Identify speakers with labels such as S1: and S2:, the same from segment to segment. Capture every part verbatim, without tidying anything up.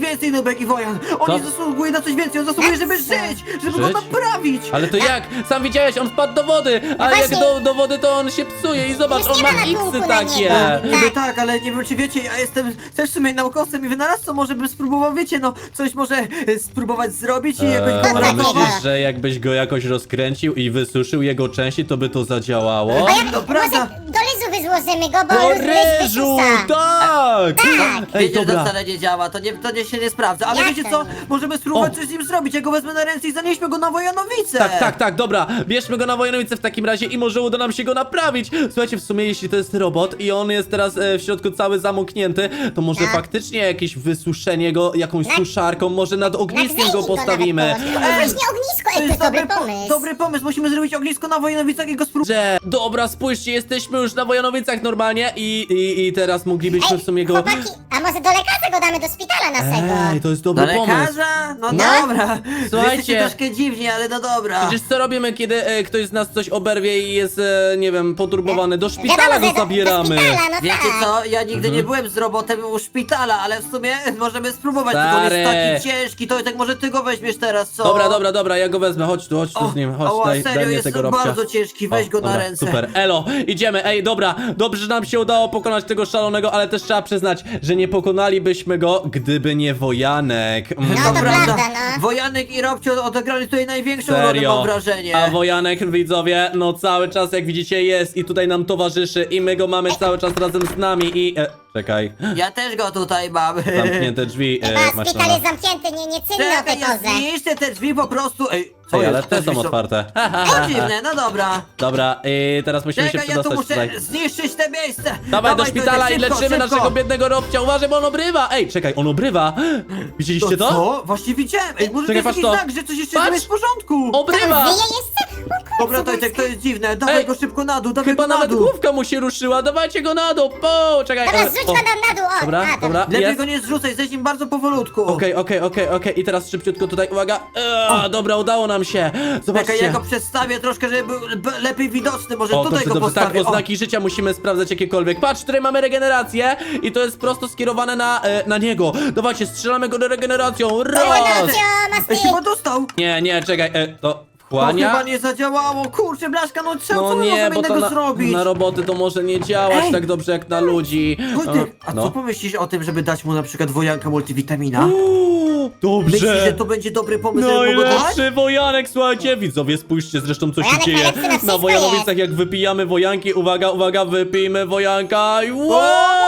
S1: więcej, Nubek i Wojan. On nie
S2: Co?
S1: zasługuje na coś więcej, on zasługuje, żeby żyć, żeby go
S2: Żyć?
S1: naprawić.
S2: Ale to jak? Sam widziałeś, on wpadł do wody, a jak
S3: właśnie.
S2: do, do wody to on się psuje i zobacz,
S3: Już
S2: on
S3: nie
S2: ma
S3: ma na
S2: iksy
S3: kółku na
S2: takie.
S3: niego.
S1: Niby tak, ale nie wiem czy wiecie, ja jestem też w sumie naukowcem i wynalazcą, może bym spróbował, wiecie, no coś może e, spróbować zrobić i jakoś
S2: Eee,
S1: go
S2: ale
S1: uratować.
S2: myślisz, że jakbyś go jakoś rozkręcił i wysuszył jego części, to by to zadziałało?
S3: A jak,
S1: To prawda.
S3: może do ryżu wyzłożymy go, bo
S2: Do
S3: ryż
S2: ryżu,
S3: wysusa.
S2: tak! Ej,
S1: Wiecie, że to
S2: dobra.
S1: wcale nie działa, to, nie, to nie się nie sprawdza, ale
S3: Jak
S1: wiecie
S3: to
S1: co,
S3: nie?
S1: możemy spróbować
S2: O.
S1: coś z nim zrobić, ja go wezmę na ręce i zanieśmy go na Wojanowice.
S2: Tak, tak, tak, dobra, bierzmy go na Wojanowice w takim razie i może uda nam się go naprawić. Słuchajcie, w sumie jeśli to jest robot i on jest teraz e, w środku cały zamknięty, to może
S3: Tak.
S2: faktycznie jakieś wysuszenie go jakąś
S3: Tak.
S2: suszarką, może nad ogniskiem go
S3: Nadgrzejnik
S2: postawimy.
S3: nawet położyć. O, właśnie ognisko,
S1: To
S3: ej, to
S1: jest
S3: jest dobry
S1: dobry, po-
S3: pomysł.
S1: dobry pomysł, musimy zrobić ognisko na Wojanowicach i go spróbować.
S2: Że, dobra, spójrzcie, jesteśmy już na Wojanowicach normalnie i, i, i teraz moglibyśmy w sumie go...
S3: chłopaki, a może do lekarza go damy do szpitala naszego?
S2: Ej, to jest
S1: Do
S2: dobry pomysł.
S1: lekarza? No,
S3: No.
S1: dobra.
S2: Słuchajcie.
S1: Jesteście troszkę dziwni, ale no dobra.
S2: Przecież co robimy, kiedy e, ktoś z nas coś oberwie i jest, e, nie wiem, poturbowany? Do szpitala
S3: Wiadomo,
S2: go
S3: że do-
S2: zabieramy.
S3: Do szpitala, no
S1: Wiecie
S3: tak.
S1: co, ja nigdy
S2: Mhm.
S1: nie byłem z robotem u szpitala, ale w sumie możemy spróbować, tylko on
S2: Stary.
S1: jest taki ciężki, to tak może ty go weźmiesz teraz, co?
S2: Dobra, dobra, dobra, ja go wezmę, chodź tu, chodź tu
S1: O,
S2: z nim, chodź,
S1: o,
S2: daj,
S1: serio,
S2: daj mnie
S1: jest
S2: tego robcia.
S1: bardzo ciężki, weź
S2: O,
S1: go na
S2: dobra,
S1: ręce.
S2: Super, elo, idziemy, ej, dobra, dobrze, że nam się udało pokonać tego szalonego, ale też trzeba przyznać, że nie pokonalibyśmy go, gdyby nie Wojanek. Mm.
S3: No
S1: To
S3: to
S1: prawda,
S3: prawda, no.
S1: Wojanek i Robcio odegrali tutaj największą rolę,
S2: Serio.
S1: mam wrażenie.
S2: A Wojanek, widzowie, no cały czas, jak widzicie, jest i tutaj nam towarzyszy i my go mamy cały czas razem z nami i... E, czekaj,
S1: Ja też go tutaj mam.
S2: zamknięte drzwi, e,
S3: Chyba
S2: masz
S3: szpital
S2: na...
S3: jest zamknięty, nie, nie cynno o tej
S1: Czekaj, ja
S3: porze.
S1: zniszczę te drzwi po prostu. Ej, co
S2: Ej,
S1: jest?
S2: ale te
S1: drzwi
S2: są otwarte.
S1: To dziwne, no dobra.
S2: Dobra, i teraz musimy się
S1: Czekaj, ja tu
S2: przedostać
S1: muszę
S2: tutaj.
S1: zniszczyć te miejsce.
S2: Dawaj do szpitala i
S1: szybko,
S2: leczymy
S1: szybko.
S2: naszego biednego Robcia. Uważaj, bo on obrywa. Ej, czekaj, on obrywa. Widzieliście to?
S1: Co? Właśnie widziałem. Ej, może
S2: Czekaj,
S1: to jest
S2: patrz
S1: jakiś
S2: to.
S1: znak, że coś jeszcze
S2: Patrz.
S1: nie jest w porządku.
S2: Obrywa.
S3: Wyje jeszcze? O kurczę,
S1: Dobra, Tojtek, to jest dziwne. Dawaj
S2: Ej.
S1: go szybko na dół, dawaj
S2: Chyba
S1: go na
S2: nawet
S1: dół.
S2: główka mu się ruszyła. Dawajcie go na dół. Po, czekaj.
S3: Dobra,
S2: e,
S3: zrzuć
S2: o.
S3: go tam na dół, o.
S2: Dobra,
S3: a,
S2: dobra,
S1: Lepiej
S2: jest.
S1: go nie zrzucaj, zejdź nim bardzo powolutku.
S2: Okej, okej, okej, okej. I teraz szybciutko tutaj, uwaga. Eee, dobra, udało nam się.
S1: Czekaj, ja
S2: Zobaczcie.
S1: go przedstawię troszkę, żeby był b- lepiej widoczny. Może
S2: O,
S1: tutaj
S2: dobrze,
S1: go
S2: dobrze, tak,
S1: postawię. O.
S2: oznaki życia musimy sprawdzać jakiekolwiek. Patrz, tutaj mamy regenerację i to jest prosto skierowane na, e, na niego. Dawajcie, strzelamy go do regeneracją. Raz!
S3: Regeneracja,
S1: Ej,
S3: masz
S1: chyba dostał.
S2: Nie, nie, czekaj, e, to
S1: To
S2: wchłania?
S1: chyba nie zadziałało. Kurczę, Blaszka, no co,
S2: No
S1: co my
S2: nie,
S1: możemy
S2: bo to
S1: innego
S2: na,
S1: zrobić?
S2: na roboty to może nie działać
S1: Ej!
S2: tak dobrze jak na ludzi.
S1: Wojtek, a
S2: no.
S1: co pomyślisz o tym, żeby dać mu na przykład wojanka multivitamina?
S2: Uuu,
S1: Myślisz, że
S2: dobrze.
S1: to będzie dobry pomysł, żeby mu go dać?
S2: Najlepszy wojanek, słuchajcie, widzowie, spójrzcie zresztą co się
S3: Wojanek
S2: dzieje
S3: najlepszy na
S2: na
S3: wszystko
S2: Wojanowicach,
S3: jest.
S2: jak wypijamy wojanki. Uwaga, uwaga, wypijmy wojanka i wow!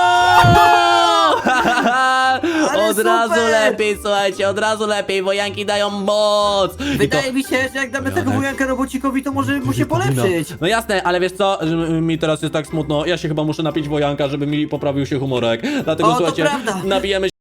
S1: Ale
S2: Od razu
S1: super!
S2: lepiej, słuchajcie, od razu lepiej, wojanki dają moc. I to-
S1: Wydaje mi się, że jak damy tego
S2: Wojanek.
S1: wojanka robocikowi, to może mu się polepszyć.
S2: No, no jasne, ale wiesz co, że mi teraz jest tak smutno, ja się chyba muszę napić wojanka, żeby mi poprawił się humorek. Dlatego
S1: O, to
S2: słuchajcie,
S1: prawda.
S2: nabijemy